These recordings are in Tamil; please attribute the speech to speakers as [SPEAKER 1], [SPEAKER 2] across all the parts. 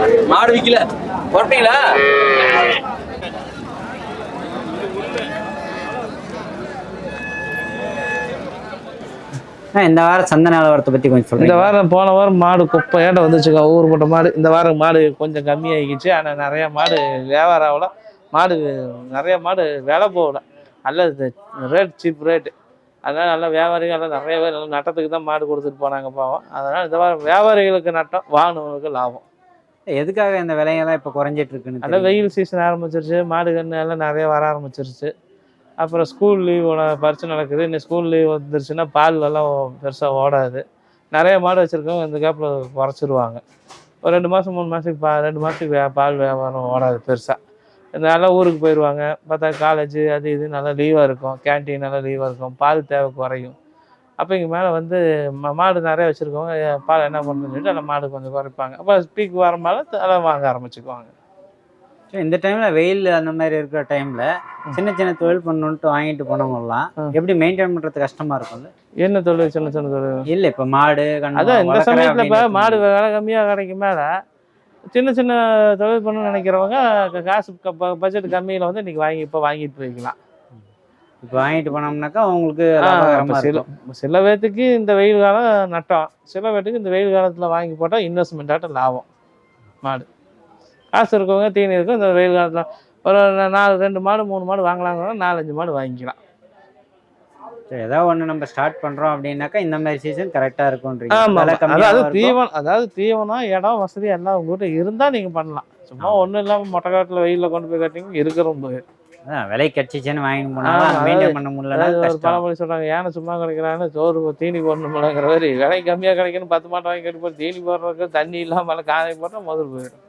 [SPEAKER 1] மாடு விக்கல வரட்டீங்களா?
[SPEAKER 2] இந்த வாரம் சந்தை நிலவரத்தை பற்றி கொஞ்சம் சொல்லுங்கள்.
[SPEAKER 3] இந்த வாரம் போன வாரம் மாடு குப்பையாட்ட வந்துச்சுங்க. ஊருப்பட்ட மாடு. இந்த வாரம் மாடு கொஞ்சம் கம்மியாகிக்கிச்சு. ஆனால் நிறைய மாடு வியாபாரம் ஆகல. மாடு நிறைய மாடு விலை போகல. நல்ல ரேட், சீப் ரேட்டு. அதனால் நல்லா வியாபாரிகள் எல்லாம் நிறைய பேர் நல்லா நட்டத்துக்கு தான் மாடு கொடுத்துட்டு போனாங்க பாவம். அதனால் இந்த வாரம் வியாபாரிகளுக்கு நட்டம், வாங்கினவங்களுக்கு லாபம்.
[SPEAKER 2] எதுக்காக இந்த விலையெல்லாம் இப்போ குறைஞ்சிட்டு இருக்குன்னு?
[SPEAKER 3] நல்லா வெயில் சீசன் ஆரம்பிச்சிருச்சு. மாடு கன்று எல்லாம் நிறைய வர ஆரம்பிச்சிருச்சு. அப்புறம் ஸ்கூல் லீவோட பரிசு நடக்குது. இன்னும் ஸ்கூல் லீவ் வந்துருச்சுன்னா பால் எல்லாம் பெருசாக ஓடாது. நிறைய மாடு வச்சுருக்கவங்க இந்த கேப்பில் குறைச்சிருவாங்க. ஒரு 2 மாதம் 3 மாதத்துக்கு 2 மாதத்துக்கு பால் வியாபாரம் ஓடாது பெருசாக. நல்லா ஊருக்கு போயிடுவாங்க. பார்த்தா காலேஜு அது இது நல்லா லீவாக இருக்கும். கேன்டீன் நல்லா லீவாக இருக்கும். பால் தேவை குறையும். அப்போ இங்கே மேலே வந்து மாடு நிறைய வச்சுருக்கவங்க பால் என்ன பண்ணுறதுன்னு சொல்லிட்டு அந்த மாடு கொஞ்சம் குறைப்பாங்க. அப்போ பீக் வர மேலே அதெல்லாம் வாங்க ஆரம்பிச்சுக்குவாங்க.
[SPEAKER 2] இந்த டைம்ல வெயில் அந்த மாதிரி இருக்கிற டைம்ல சின்ன சின்ன தொழில் பண்ணணும்ட்டு வாங்கிட்டு போனவங்கலாம் எப்படி மெயின்டைன் பண்றது கஷ்டமா இருக்கும்ல?
[SPEAKER 3] என்ன தொழில்? சின்ன சின்ன தொழில்
[SPEAKER 2] இல்ல இப்ப மாடு
[SPEAKER 3] அதான் இந்த சமயத்துல இப்ப மாடு விலை கம்மியா கிடைக்கும் மேல சின்ன சின்ன தொழில் பண்ணணும்னு நினைக்கிறவங்க காசு பட்ஜெட் கம்மியில வந்து இன்னைக்கு வாங்கிட்டு போய்க்கலாம்.
[SPEAKER 2] இப்போ வாங்கிட்டு போனோம்னாக்கா உங்களுக்கு
[SPEAKER 3] சில பேர்த்துக்கு இந்த வெயில் காலம் நட்டம், சில பேர்த்துக்கு இந்த வெயில் காலத்துல வாங்கி போட்டா இன்வெஸ்ட்மெண்ட் ஆட்ட லாபம். மாடு காசு இருக்கவங்க தீனி இருக்கும். இந்த வெயில் காலத்தில் ஒரு 2 மாடு 3 மாடு வாங்கலாங்க, 4-5 மாடு வாங்கிக்கலாம்.
[SPEAKER 2] ஏதாவது ஒன்று நம்ம ஸ்டார்ட் பண்ணுறோம் அப்படின்னாக்கா இந்த மாதிரி சீசன் கரெக்டாக இருக்கும்ன்றீங்க.
[SPEAKER 3] அதாவது தீவனம், இடம், வசதி எல்லாம் உங்ககிட்ட இருந்தால் நீங்கள் பண்ணலாம். சும்மா ஒன்றும் இல்லாமல் மொட்டை காட்டில் வெயிலில் கொண்டு போய் கட்டிங்க இருக்கிறோம் போய்
[SPEAKER 2] விலை கட்சிச்சுன்னு வாங்கி போனால் மெயின்டைன் பண்ண முடியல.
[SPEAKER 3] ஒரு பழமொழி சொல்கிறாங்க, ஏன்னா சும்மா கிடைக்கிறான்னு சோறு தீனி போடணும்லங்கிற மாதிரி. விலை கம்மியாக கிடைக்கணும் 10 மாட்டை வாங்கி கட்டி போய் தீனி போடுறதுக்கு தண்ணி இல்லாமல் காலை போட்டால் முதல் போயிடும்.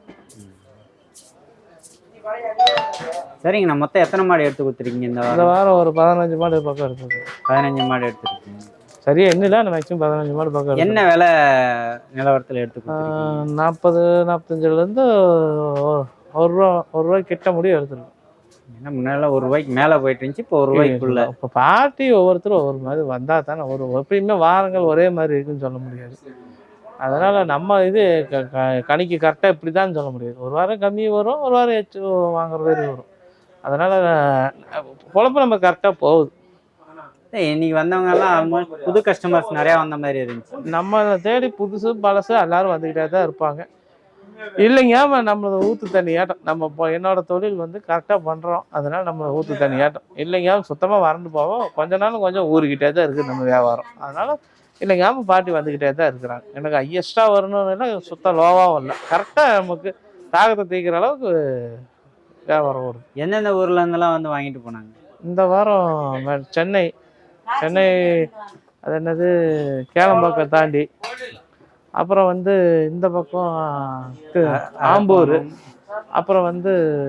[SPEAKER 2] சரிங்கண்ணா, மொத்தம் எத்தனை மாடு எடுத்து கொடுத்துருக்கீங்க
[SPEAKER 3] இந்த வாரம்? ஒரு 15 மாடு பக்கம் எடுத்துருக்கு. 15
[SPEAKER 2] மாடு எடுத்துருக்கீங்க.
[SPEAKER 3] சரியா என்ன மேக்ஸிமம் 15 மாடு பக்கம்.
[SPEAKER 2] என்ன விலை நிலவரத்தில் எடுத்து?
[SPEAKER 3] 40-45லேருந்து ஒரு ரூபாய் கிட்ட முடியும் எடுத்துருக்கோம்.
[SPEAKER 2] ஏன்னா முன்னாடி 1 ரூபாய்க்கு மேலே போயிட்டு இருந்துச்சு, இப்போ 1 ரூபாய்க்குள்ள.
[SPEAKER 3] இப்போ பார்ட்டி ஒவ்வொருத்தரும் ஒவ்வொரு மாதிரி வந்தால் தானே எப்பயுமே வாரங்கள் ஒரே மாதிரி இருக்குன்னு சொல்ல முடியாது. அதனால் நம்ம இது கணிக்கு கரெக்டாக இப்படி தான் சொல்ல முடியாது. ஒரு வாரம் கம்மி வரும், ஒரு வாரம் எச்சு வாங்குற மாதிரி வரும். அதனால் குழப்பம் நம்ம கரெக்டாக போகுது.
[SPEAKER 2] இன்னைக்கு வந்தவங்கெல்லாம் ஆல்மோஸ்ட் புது கஸ்டமர்ஸ் நிறையா வந்த மாதிரி இருந்துச்சு.
[SPEAKER 3] நம்ம தேடி புதுசு பழசு எல்லாரும் வந்துக்கிட்டே தான் இருப்பாங்க. இல்லைங்க நம்மளோட ஊற்று தண்ணி ஆட்டம். நம்ம என்னோட தொழில் வந்து கரெக்டாக பண்ணுறோம், அதனால் நம்ம ஊற்று தண்ணி ஆட்டம். இல்லைங்க சுத்தமாக வறண்டு போவோம். கொஞ்ச நாளும் கொஞ்சம் ஊறிக்கிட்டே தான் இருக்குது நம்ம வியாபாரம். அதனால் இல்லைங்க பார்ட்டி வந்துக்கிட்டே தான் இருக்கிறாங்க. எனக்கு ஹையஸ்ட்டாக வரணும்னா சுத்தம் லோவாகவும் இல்லை, கரெக்டாக நமக்கு தாகத்தை தீக்கிற அளவுக்கு வியாபாரம் வரும்.
[SPEAKER 2] எந்தெந்த ஊரில் இருந்தெல்லாம் வந்து வாங்கிட்டு போனாங்க?
[SPEAKER 3] இந்த வாரம் சென்னை அது என்னது கேளம்பாக்கம் தாண்டி, அப்புறம் வந்து இந்த பக்கம் ஆம்பூர், அப்புறம் வந்து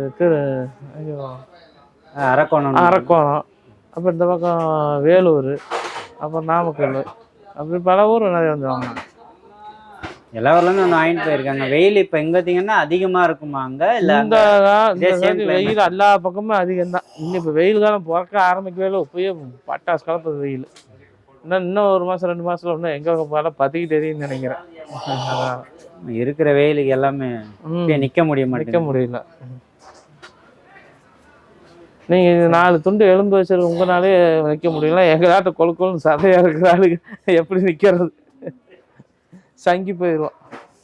[SPEAKER 3] அரக்கோணம், அப்புறம் இந்த பக்கம் வேலூர், அப்புறம் நாமக்கல், அப்படி பல ஊர் நிறைய வந்து வாங்கினாங்க. எல்லா ஊர்லேருந்து வந்து வாங்கிட்டு போயிருக்காங்க. வெயில் இப்போ எங்கே பார்த்தீங்கன்னா அதிகமாக இருக்குமா அங்கே? இல்லை இந்த வெயில் எல்லா பக்கமும் அதிகம்தான். இப்போ வெயில் காலம் பிறக்க ஆரம்பிக்கவே இல்லை. இப்போயே பட்டாசு கலப்பது வெயில். இன்னும் 1 மாதம் 2 மாதத்துல இன்னும் எங்கே போல பற்றிக்கிட்டு எரியுன்னு நினைக்கிறேன்.
[SPEAKER 2] இருக்கிற வெயிலுக்கு எல்லாமே நிற்க
[SPEAKER 3] முடியல. நீங்கள் 4 துண்டு எலும்பு வச்சிருக்க உங்களாலே நிற்க முடியல. எங்களாட்ட கொழுக்கொழுன்னு சதையாக இருக்கிற ஆளுக்கு எப்படி நிற்கிறது? சங்கி போயிடுவோம்.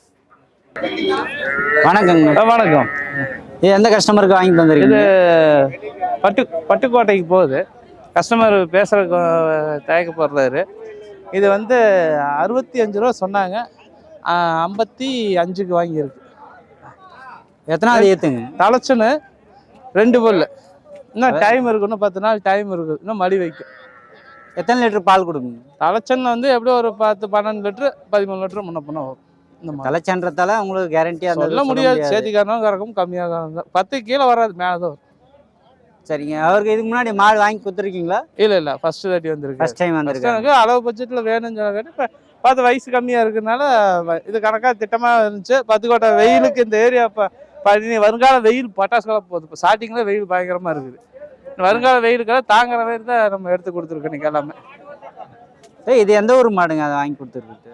[SPEAKER 2] வணக்கங்க.
[SPEAKER 3] வணக்கம்.
[SPEAKER 2] இது எந்த கஸ்டமருக்கு வாங்கிட்டு வந்துருக்கு?
[SPEAKER 3] இது பட்டுக்கோட்டைக்கு போகுது. கஸ்டமர் பேசுகிறதுக்கு தயக்கப்படுறாரு. இது வந்து 65 ரூபா சொன்னாங்க, 55க்கு வாங்கியிருக்கு.
[SPEAKER 2] எத்தனாவது ஏற்றுங்க?
[SPEAKER 3] தலைச்சுன்னு 2 பல்லு. இன்னும் டைம் இருக்கு, இன்னும் 10 நாள் டைம் இருக்குது. இன்னும் மடி வைக்கும்.
[SPEAKER 2] எத்தனை லிட்டர் பால் கொடுக்குங்க?
[SPEAKER 3] தலைச்சன் வந்து எப்படியும் ஒரு 10-12 லிட்டர் 13 லிட்டர் முன்ன பண்ண வரும். இந்த
[SPEAKER 2] தலைச்சன்றதால உங்களுக்கு கேரண்டியாக
[SPEAKER 3] சொல்ல முடியாது. சேர்த்திக்காரனும் கறக்கும், கம்மியாக 10 கீழே வராது, மேலே தான் வரும்.
[SPEAKER 2] சரிங்க. அவருக்கு இதுக்கு முன்னாடி மாடு வாங்கி கொடுத்துருக்கீங்களா?
[SPEAKER 3] இல்லை ஃபர்ஸ்ட் தாட்டி வந்திருக்கு.
[SPEAKER 2] ஃபர்ஸ்ட் டைம் வந்திருக்கு.
[SPEAKER 3] அளவு பட்ஜெட்டில் வேணும்னு சொல்ல இப்போ பார்த்து வயசு கம்மியாக இருக்கிறதுனால இது கணக்காக திட்டமாக இருந்துச்சு. பத்துக்கோட்டை வெயிலுக்கு இந்த ஏரியா இப்போ வருங்கால வெயில் பட்டாசு காலம் போகுது. இப்போ ஸ்டார்டிங்கில் வெயில் பயங்கரமாக இருக்குது. வருங்கால வெயிலுக்கெல்லாம் தாங்குற மாதிரி தான் நம்ம எடுத்து கொடுத்துருக்கோம் இன்னைக்கு எல்லாமே.
[SPEAKER 2] இது எந்த ஊர் மாடுங்க அதை வாங்கி கொடுத்துருக்கு?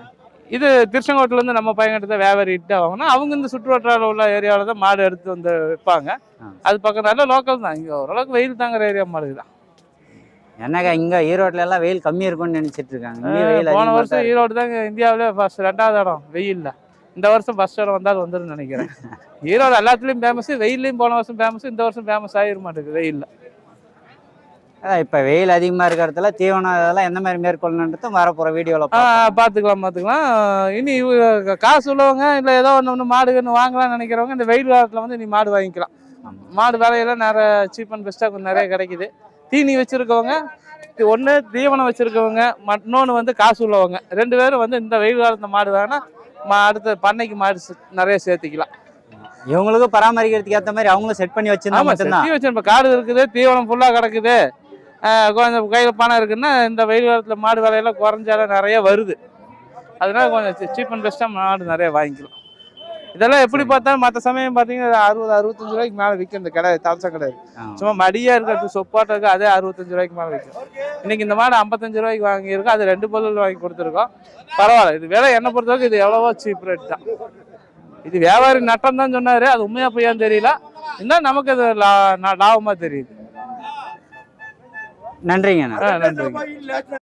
[SPEAKER 3] இது திருச்செங்கோட்டிலேருந்து நம்ம பையன்கிட்ட தான் வியாபாரி இட்டு வாங்கினா அவங்க இந்த சுற்றுவட்டார உள்ள ஏரியாவில் தான் மாடு எடுத்து வந்து விற்பாங்க. அது பக்கம் நல்ல லோக்கல் தான். இங்கே ஓரளவுக்கு வெயில் தாங்குற ஏரியா மாடு தான்.
[SPEAKER 2] என்னக்கா இங்கே ஈரோட்டில் எல்லாம் வெயில் கம்மியாக இருக்கும்னு நினச்சிட்டு இருக்காங்க. இங்கே வெயில்
[SPEAKER 3] போன வருஷம் ஈரோடு தாங்க இந்தியாவிலே ஃபர்ஸ்ட் 2வது இடம் வெயிலில். இந்த வருஷம் ஃபர்ஸ்ட் இடம் வந்தாலும் வந்துடும் நினைக்கிறேன். ஈரோடு எல்லாத்துலேயும் ஃபேமஸ், வெயிலையும் போன வருஷம் ஃபேமஸ், இந்த வருஷம் ஃபேமஸ் ஆகிட மாட்டேங்குது வெயிலில்.
[SPEAKER 2] இப்போ வெயில் அதிகமாக இருக்கிறதுல தீவனம் இதெல்லாம் எந்த மாதிரி மேற்கொள்ளணுன்றது வரப்போகிற வீடியோவில்
[SPEAKER 3] பார்த்துக்கலாம். இனி காசு உள்ளவங்க இல்லை ஏதோ ஒன்று மாடு வாங்கலாம்னு நினைக்கிறவங்க இந்த வெயில் காலத்தில் வந்து நீ மாடு வாங்கிக்கலாம். மாடு விலையெல்லாம் நிறைய சீப் அண்ட் பெஸ்ட்டாக கொஞ்சம் நிறைய கிடைக்குது. தீனி வச்சுருக்கவங்க ஒன்று, தீவனம் வச்சுருக்கவங்க, இன்னொன்று வந்து காசு உள்ளவங்க 2 பேரும் வந்து இந்த வெயில் காலத்தில் மாடு வேணால் அடுத்த பண்ணைக்கு மாடு நிறைய சேர்த்துக்கலாம்.
[SPEAKER 2] இவங்களுக்கும் பராமரிக்கிறதுக்கு ஏற்ற மாதிரி அவங்களும் செட் பண்ணி
[SPEAKER 3] வச்சிருந்தா காடு இருக்குது, தீவனம் ஃபுல்லாக கிடக்குது, கொஞ்சம் கையில் பணம் இருக்குன்னா இந்த வெயில் காலத்தில் மாடு விலையெல்லாம் குறைஞ்சாலும் நிறைய வருது. அதனால கொஞ்சம் சீப் அண்ட் பெஸ்ட்டாக மாடு நிறைய வாங்கிக்கலாம். இதெல்லாம் எப்படி பார்த்தாலும் மற்ற சமயம் பார்த்தீங்கன்னா 60-65 ரூபாய்க்கு மேலே விற்கும். இந்த கடை தவசம் கிடையாது, சும்மா மடியாக இருக்கிறது சொப்பாட்டம் இருக்குது, அதே 65 ரூபாய்க்கு மேலே விற்கும். இன்னைக்கு இந்த மாடு 55 ரூபாய்க்கு வாங்கியிருக்கோம், அது 2 பொருள் வாங்கி கொடுத்துருக்கோம். பரவாயில்ல, இது விலை என்ன பொறுத்தவரைக்கும் இது எவ்வளவோ சீப் ரேட் தான். இது வியாபாரி நட்டம் தான் சொன்னார், அது உண்மையாக பொய்யான்னு தெரியல. இன்னும் நமக்கு அது லாபமாக தெரியுது.
[SPEAKER 2] நன்றிங்க.
[SPEAKER 3] நன்றிங்க.